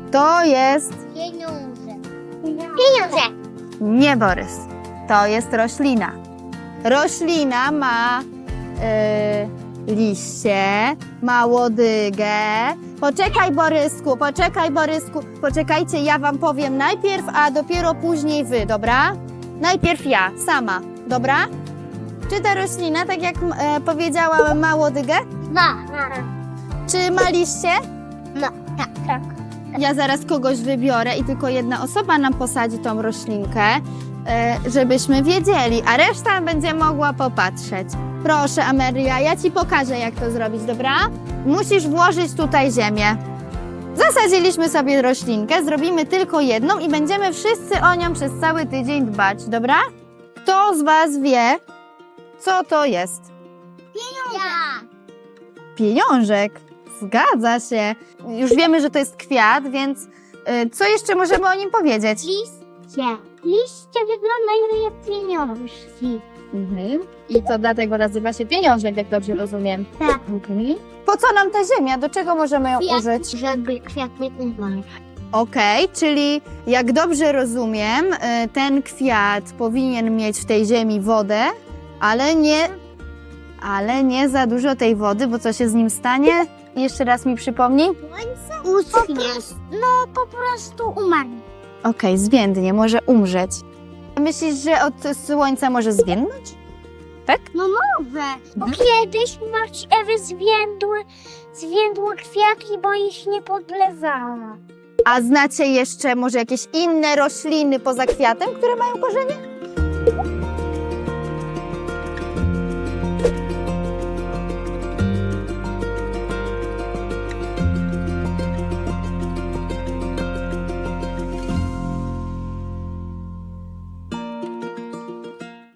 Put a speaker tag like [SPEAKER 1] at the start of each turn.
[SPEAKER 1] To jest...
[SPEAKER 2] Pieniądze. Pieniądze.
[SPEAKER 1] Nie, Borys. To jest roślina. Roślina ma liście, ma łodygę. Poczekaj, Borysku. Poczekajcie, ja wam powiem najpierw, a dopiero później wy, dobra? Najpierw ja, sama, dobra? Czy ta roślina, tak jak powiedziałam, ma łodygę?
[SPEAKER 2] Ma.
[SPEAKER 1] Czy ma liście?
[SPEAKER 2] No, tak.
[SPEAKER 1] Ja zaraz kogoś wybiorę i tylko jedna osoba nam posadzi tą roślinkę, żebyśmy wiedzieli, a reszta będzie mogła popatrzeć. Proszę, Amelia, ja ci pokażę, jak to zrobić, dobra? Musisz włożyć tutaj ziemię. Zasadziliśmy sobie roślinkę, zrobimy tylko jedną i będziemy wszyscy o nią przez cały tydzień dbać, dobra? Kto z was wie, co to jest?
[SPEAKER 2] Ja.
[SPEAKER 1] Pieniążek. Zgadza się. Już wiemy, że to jest kwiat, więc co jeszcze możemy o nim powiedzieć?
[SPEAKER 2] Liście. Liście wyglądają jak pieniążki.
[SPEAKER 1] I to dlatego nazywa się pieniążek, jak dobrze rozumiem.
[SPEAKER 2] Tak.
[SPEAKER 1] Po co nam ta ziemia? Do czego możemy ją użyć?
[SPEAKER 2] Żeby kwiat nie umarł.
[SPEAKER 1] Okej, czyli jak dobrze rozumiem, ten kwiat powinien mieć w tej ziemi wodę, ale nie za dużo tej wody, bo co się z nim stanie? Jeszcze raz mi przypomnij.
[SPEAKER 2] Uschnie. No po prostu umarł.
[SPEAKER 1] Okej, zwiędnie, może umrzeć. Myślisz, że od słońca może zwiędnąć?
[SPEAKER 2] No może. Bo kiedyś Marci Ewy zwiędły kwiatki, bo ich nie podlewała.
[SPEAKER 1] A znacie jeszcze może jakieś inne rośliny poza kwiatem, które mają korzenie?